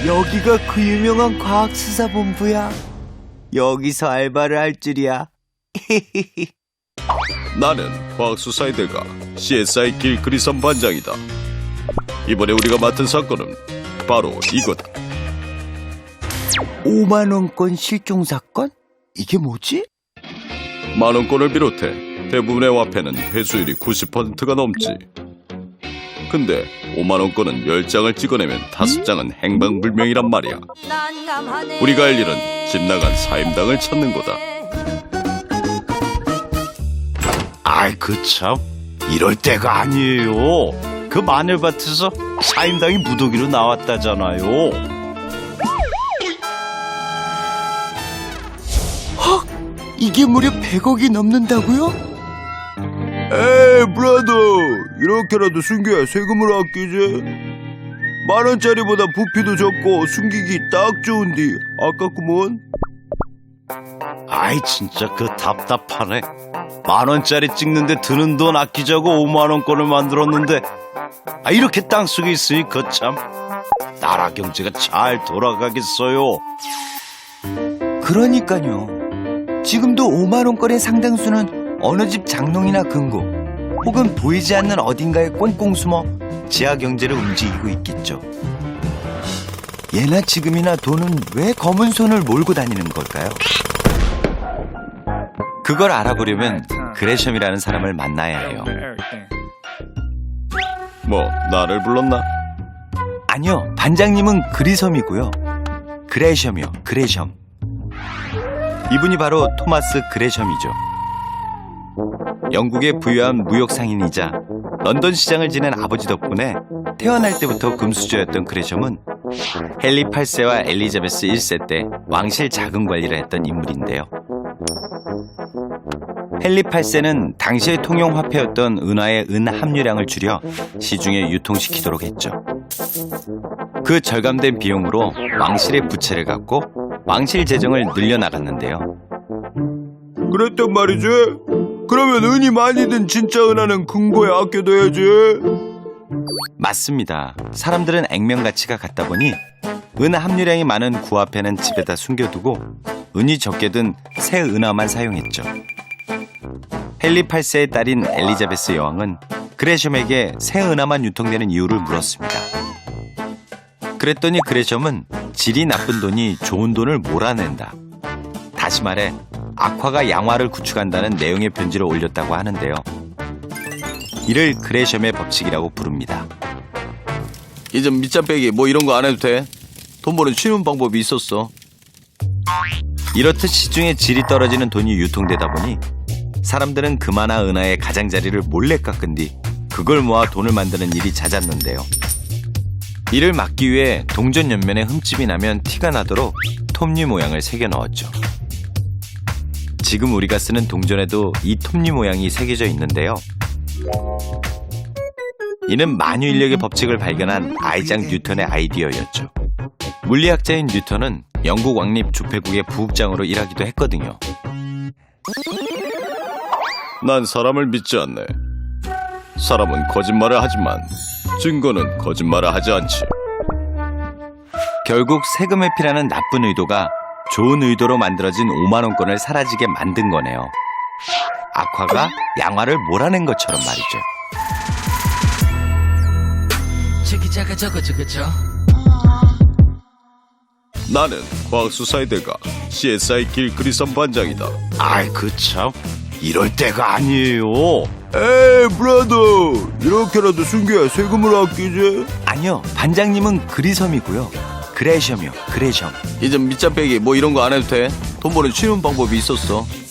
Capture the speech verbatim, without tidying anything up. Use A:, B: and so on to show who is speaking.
A: 여기가 그 유명한 과학수사본부야. 여기서 알바를 할 줄이야.
B: 나는 과학수사의 대가 씨에스아이 길그리선 반장이다. 이번에 우리가 맡은 사건은 바로 이거다.
A: 오만 원권 실종 사건? 이게 뭐지?
B: 만원권을 비롯해 대부분의 화폐는 회수율이 구십 퍼센트가 넘지. 근데 오만원권은 열 장을 찍어내면 다섯 장은 행방불명이란 말이야. 우리가 할 일은 집 나간 사임당을 찾는 거다.
C: 아이 그 참 이럴 때가 아니에요. 그 마늘밭에서 사임당이 무더기로 나왔다잖아요.
A: 헉! 이게 무려 백억이 넘는다고요?
D: 에이 브라더, 이렇게라도 숨겨야 세금을 아끼지. 만원짜리보다 부피도 적고 숨기기 딱 좋은디 아깝구먼.
C: 아이 진짜 그 답답하네. 만원짜리 찍는데 드는 돈 아끼자고 오만원권을 만들었는데 아 이렇게 땅속에 있으니 거참 나라 경제가 잘 돌아가겠어요.
A: 그러니까요. 지금도 오만 원권의 상당수는 어느 집 장롱이나 금고 혹은 보이지 않는 어딘가에 꽁꽁 숨어 지하 경제를 움직이고 있겠죠. 예나 지금이나 돈은 왜 검은 손을 몰고 다니는 걸까요? 그걸 알아보려면 그레셈이라는 사람을 만나야 해요.
B: 뭐 나를 불렀나?
A: 아니요, 반장님은 그리섬이고요. 그레셈이요, 그레셈. 이분이 바로 토마스 그레셈이죠. 영국의 부유한 무역상인이자 런던 시장을 지낸 아버지 덕분에 태어날 때부터 금수저였던 그레셈은 헨리 팔 세와 엘리자베스 일 세 때 왕실 자금 관리를 했던 인물인데요. 헨리 팔 세는 당시의 통용화폐였던 은화의 은 함유량을 줄여 시중에 유통시키도록 했죠. 그 절감된 비용으로 왕실의 부채를 갚고 왕실 재정을 늘려나갔는데요.
D: 그랬단 말이지. 그러면 은이 많이 든 진짜 은하는 금고에 아껴둬야지.
A: 맞습니다. 사람들은 액면가치가 같다 보니 은 함유량이 많은 구화폐는 집에다 숨겨두고 은이 적게 든 새 은화만 사용했죠. 헨리 팔 세의 딸인 엘리자베스 여왕은 그레셈에게 새 은화만 유통되는 이유를 물었습니다. 그랬더니 그레셈은 질이 나쁜 돈이 좋은 돈을 몰아낸다. 다시 말해 악화가 양화를 구축한다는 내용의 편지를 올렸다고 하는데요. 이를 그레셈의 법칙이라고 부릅니다.
B: 이제 밑장 빼기 뭐 이런 거 안 해도 돼. 돈 버는 쉬운 방법이 있었어.
A: 이렇듯 시중에 질이 떨어지는 돈이 유통되다 보니 사람들은 금화나 은하의 가장자리를 몰래 깎은 뒤 그걸 모아 돈을 만드는 일이 잦았는데요. 이를 막기 위해 동전 옆면에 흠집이 나면 티가 나도록 톱니 모양을 새겨 넣었죠. 지금 우리가 쓰는 동전에도 이 톱니 모양이 새겨져 있는데요. 이는 만유인력의 법칙을 발견한 아이작 뉴턴의 아이디어였죠. 물리학자인 뉴턴은 영국 왕립 주폐국의 부국장으로 일하기도 했거든요.
B: 난 사람을 믿지 않네. 사람은 거짓말을 하지만 증거는 거짓말을 하지 않지.
A: 결국 세금 회피라는 나쁜 의도가 좋은 의도로 만들어진 오만 원권을 사라지게 만든 거네요. 악화가 양화를 몰아낸 것처럼 말이죠.
E: 저기자가 저거 저거죠.
B: 나는 과학수사의 대가 씨에스아이 길그리선 반장이다.
C: 아이 그 참 이럴 때가 아니에요.
D: 에이 브라더, 이렇게라도 숨겨야 세금을 아끼지.
A: 아니요, 반장님은 그리섬이고요. 그레셈이요, 그레셈.
B: 이제 밑장 빼기 뭐 이런 거 안 해도 돼. 돈 버는 쉬운 방법이 있었어.